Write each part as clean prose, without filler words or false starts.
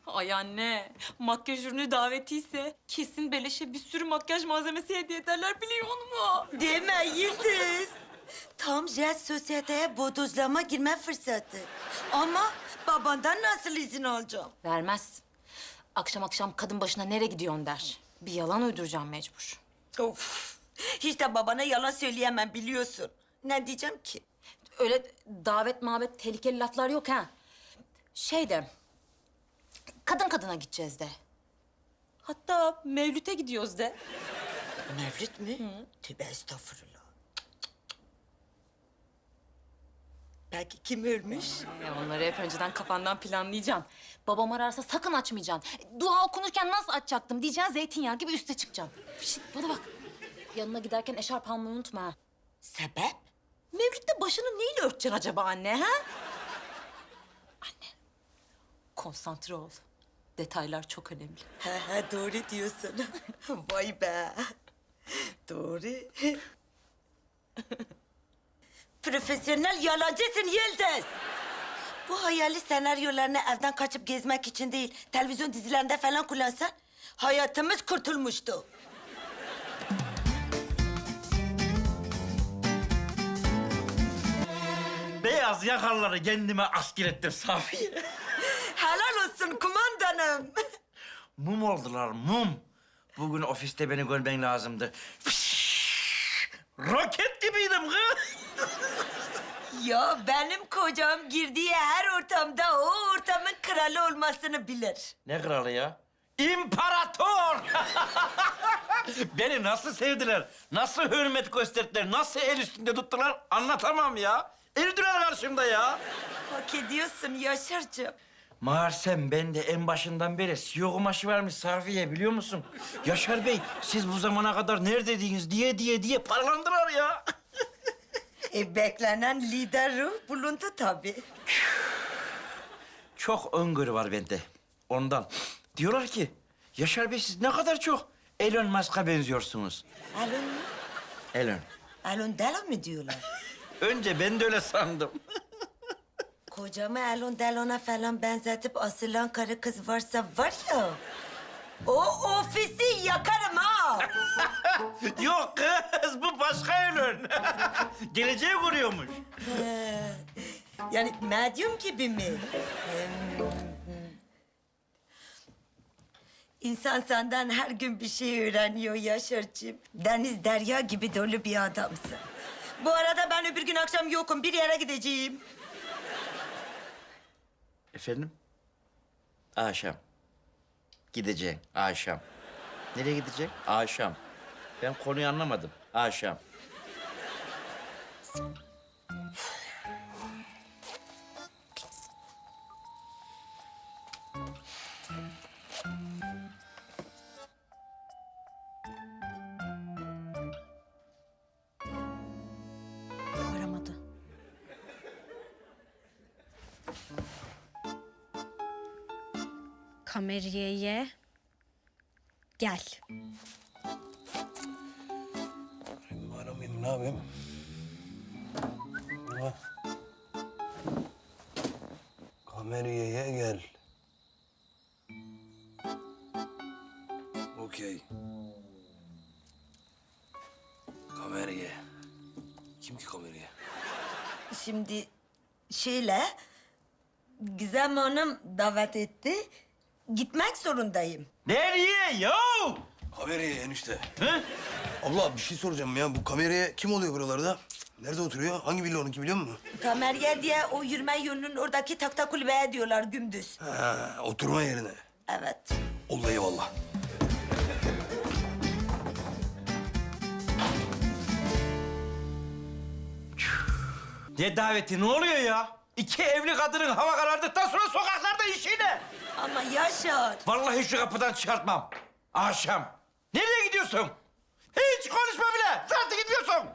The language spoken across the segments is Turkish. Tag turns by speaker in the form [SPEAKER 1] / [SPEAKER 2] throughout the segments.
[SPEAKER 1] Ay anne, makyaj ürünü davetiyse kesin beleşe bir sürü makyaj malzemesi hediye ederler biliyor musun?
[SPEAKER 2] Deme Yıldız. Tam jet sosyeteye bodozlama girme fırsatı. Ama babandan nasıl izin alacağım?
[SPEAKER 1] Vermez. Akşam akşam kadın başına nereye gidiyorsun der. Bir yalan uyduracağım mecbur.
[SPEAKER 2] Of. Hiç de babana yalan söyleyemem biliyorsun. Ne diyeceğim ki?
[SPEAKER 1] Öyle davet mabet tehlikeli laflar yok ha. Şey de, kadın kadına gideceğiz de. Hatta Mevlüt'e gidiyoruz de.
[SPEAKER 2] Mevlüt mü? Tövbe estağfurullah. Peki kim ölmüş?
[SPEAKER 1] Ya onları hep önceden kafandan planlayacaksın. Babam ararsa sakın açmayacaksın. Dua okunurken nasıl açacaktım diyeceksin, zeytinyağı gibi üste çıkacaksın. Şişt, bana bak. Yanına giderken eşarp almayı unutma ha.
[SPEAKER 2] Sebep?
[SPEAKER 1] Mevlüt'te başını neyle örteceksin acaba anne ha? Anne, konsantre ol. Detaylar çok önemli.
[SPEAKER 2] He doğru diyorsun. Vay be. Doğru. Profesyonel yalancısın Yıldız. Bu hayali senaryolarını evden kaçıp gezmek için değil, televizyon dizilerinde falan kullansan hayatımız kurtulmuştu.
[SPEAKER 3] Beyaz yakarları kendime asker ettim Safiye.
[SPEAKER 2] Helal olsun kumandanım.
[SPEAKER 3] Mum oldular, mum. Bugün ofiste beni görmen lazımdı. Roket gibiydim kız.
[SPEAKER 2] Ya benim kocam girdiği her ortamda o ortamın kralı olmasını bilir.
[SPEAKER 3] Ne kralı ya? İmparator! Beni nasıl sevdiler, nasıl hürmet gösterdiler, nasıl el üstünde tuttular anlatamam ya. Eridiler karşımda ya.
[SPEAKER 2] Hak ediyorsun Yaşar'cığım.
[SPEAKER 3] Meğersem ben de en başından beri CEO kumaşı varmış Safiye biliyor musun? Yaşar Bey, siz bu zamana kadar neredeydiniz diye paralandılar ya.
[SPEAKER 2] Beklenen lider ruh bulundu tabii.
[SPEAKER 3] Çok öngörü var bende. Ondan. Diyorlar ki, Yaşar Bey siz ne kadar çok Elon Musk'a benziyorsunuz.
[SPEAKER 2] Elon mu?
[SPEAKER 3] Elon.
[SPEAKER 2] Elon Delon mu diyorlar?
[SPEAKER 3] Önce ben de öyle sandım.
[SPEAKER 2] Kocamı Elon Delon'a falan benzetip asılan karı kız varsa var ya... ...o ofisi yakarım ha!
[SPEAKER 3] Yok kız, bu başka Elon. Geleceği kuruyormuş.
[SPEAKER 2] Yani medyum gibi mi? İnsan senden her gün bir şey öğreniyor Yaşar'cığım. Deniz derya gibi dolu bir adamsın. Bu arada ben öbür gün akşam yokum. Bir yere gideceğim.
[SPEAKER 3] Efendim? Akşam. Gideceksin akşam. Nereye gidecek? Akşam. Ben konuyu anlamadım. Akşam.
[SPEAKER 1] Aramadı.
[SPEAKER 4] Kameriyeye gel.
[SPEAKER 5] Aramayayım, ne yapayım? Ha. Kameriyeye gel. Okey. Kameriye. Kim ki kameriye?
[SPEAKER 2] Şimdi şöyle... ...Gizem Hanım davet etti. Gitmek zorundayım.
[SPEAKER 3] Nereye yo?
[SPEAKER 5] Kameriye enişte.
[SPEAKER 3] Hı?
[SPEAKER 5] Abla bir şey soracağım ya. Bu kameriye kim oluyor buralarda? Nerede oturuyor? Hangi villa onunki biliyor musun?
[SPEAKER 2] Kamerye diye o yürüme yolunun oradaki takta kulübeye diyorlar gündüz.
[SPEAKER 5] Ha, oturma yerine.
[SPEAKER 2] Evet.
[SPEAKER 5] Oldu eyvallah.
[SPEAKER 3] Ne daveti, ne oluyor ya? İki evli kadının hava karardıktan sonra sokaklarda işi ne?
[SPEAKER 2] Ama Yaşar...
[SPEAKER 3] Vallahi şu kapıdan çıkartmam. Akşam. Nereye gidiyorsun? Hiç konuşma bile. Zaten gidiyorsun.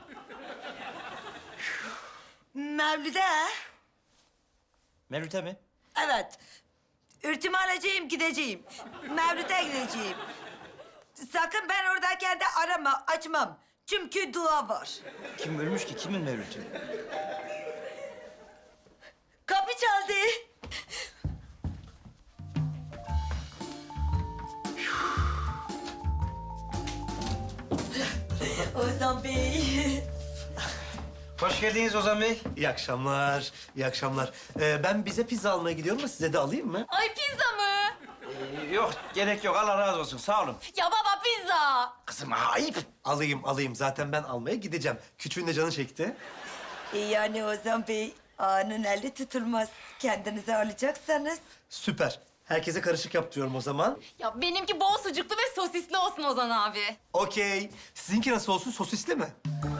[SPEAKER 2] Mevlüt'e.
[SPEAKER 3] Mevlüt'e mi?
[SPEAKER 2] Evet. Ürtümü alacağım, gideceğim. Mevlüt'e gideceğim. Sakın ben oradayken de arama, açmam. Çünkü dua var.
[SPEAKER 3] Kim ölmüş ki? Kimin Mevlüt'ü?
[SPEAKER 2] Kapı çaldı. Ozan Bey.
[SPEAKER 3] Hoş geldiniz Ozan Bey.
[SPEAKER 6] İyi akşamlar, iyi akşamlar. Ben bize pizza almaya gidiyorum da size de alayım mı?
[SPEAKER 1] Ay pizza mı?
[SPEAKER 3] Yok, gerek yok. Allah razı olsun. Sağ olun.
[SPEAKER 1] Ya baba pizza.
[SPEAKER 3] Kızım ayıp.
[SPEAKER 6] Alayım. Zaten ben almaya gideceğim. Küçüğün de canı çekti.
[SPEAKER 2] Yani Ozan Bey, ağanın eli tutulmaz. Kendinize alacaksanız.
[SPEAKER 6] Süper. Herkese karışık yaptırıyorum o zaman.
[SPEAKER 1] Ya benimki bol sucuklu ve sosisli olsun Ozan abi.
[SPEAKER 6] Okey. Sizinki nasıl olsun? Sosisli mi?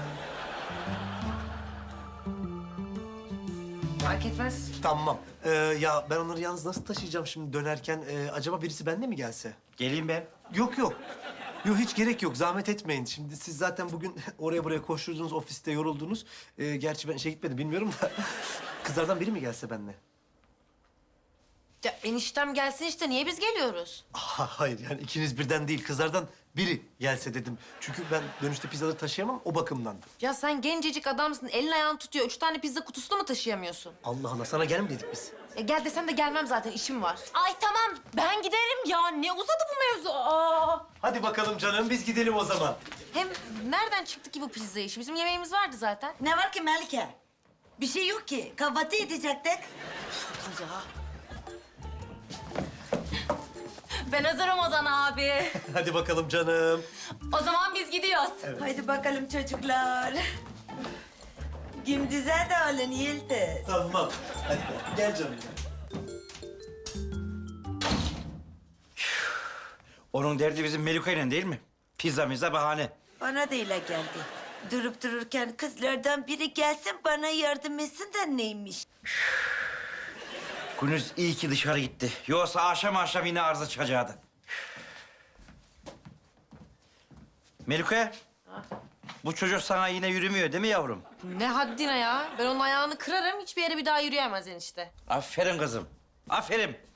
[SPEAKER 1] Fark etmez.
[SPEAKER 6] Tamam. Ya ben onları yalnız nasıl taşıyacağım şimdi dönerken? Acaba birisi benimle mi gelse?
[SPEAKER 3] Geleyim ben.
[SPEAKER 6] Yok. Yok hiç gerek yok. Zahmet etmeyin. Şimdi siz zaten bugün oraya buraya koşturdunuz, ofiste yoruldunuz. Gerçi ben işe gitmedim bilmiyorum da. Kızlardan biri mi gelse benimle?
[SPEAKER 7] Ya eniştem gelsin işte, niye biz geliyoruz?
[SPEAKER 6] Hayır yani ikiniz birden değil. Kızlardan biri gelse dedim. Çünkü ben dönüşte pizzaları taşıyamam o bakımdan.
[SPEAKER 7] Ya sen gencecik adamsın, elin ayağın tutuyor. 3 tane pizza kutusunu mu taşıyamıyorsun?
[SPEAKER 6] Allah Allah sana gel mi dedik biz?
[SPEAKER 7] Gel desen de gelmem zaten, işim var.
[SPEAKER 1] Ay tamam ben giderim ya. Ne uzadı bu mevzu? Aa.
[SPEAKER 6] Hadi bakalım canım biz gidelim o zaman.
[SPEAKER 7] Hem nereden çıktı ki bu pizza işi? Bizim yemeğimiz vardı zaten.
[SPEAKER 2] Ne var ki Melike? Bir şey yok ki. Kahvaltı edecektik.
[SPEAKER 7] Ya.
[SPEAKER 1] Ben hazırım Ozan abi.
[SPEAKER 6] Hadi bakalım canım.
[SPEAKER 1] O zaman biz gidiyoruz.
[SPEAKER 2] Haydi bakalım çocuklar. Gündüz'e de alın Yıldız.
[SPEAKER 6] Tamam. Hadi gel canım.
[SPEAKER 3] Onun derdi bizim Melika'yla değil mi? Pizza bahane.
[SPEAKER 2] Bana da öyle geldi. Durup dururken kızlardan biri gelsin bana yardım etsin de neymiş?
[SPEAKER 3] Günüz iyi ki dışarı gitti. Yoksa akşam yine arıza çıkacaktı. Melike, bu çocuk sana yine yürümüyor değil mi yavrum?
[SPEAKER 7] Ne haddine ya? Ben onun ayağını kırarım, hiçbir yere bir daha yürüyemez enişte.
[SPEAKER 3] Aferin kızım, aferin.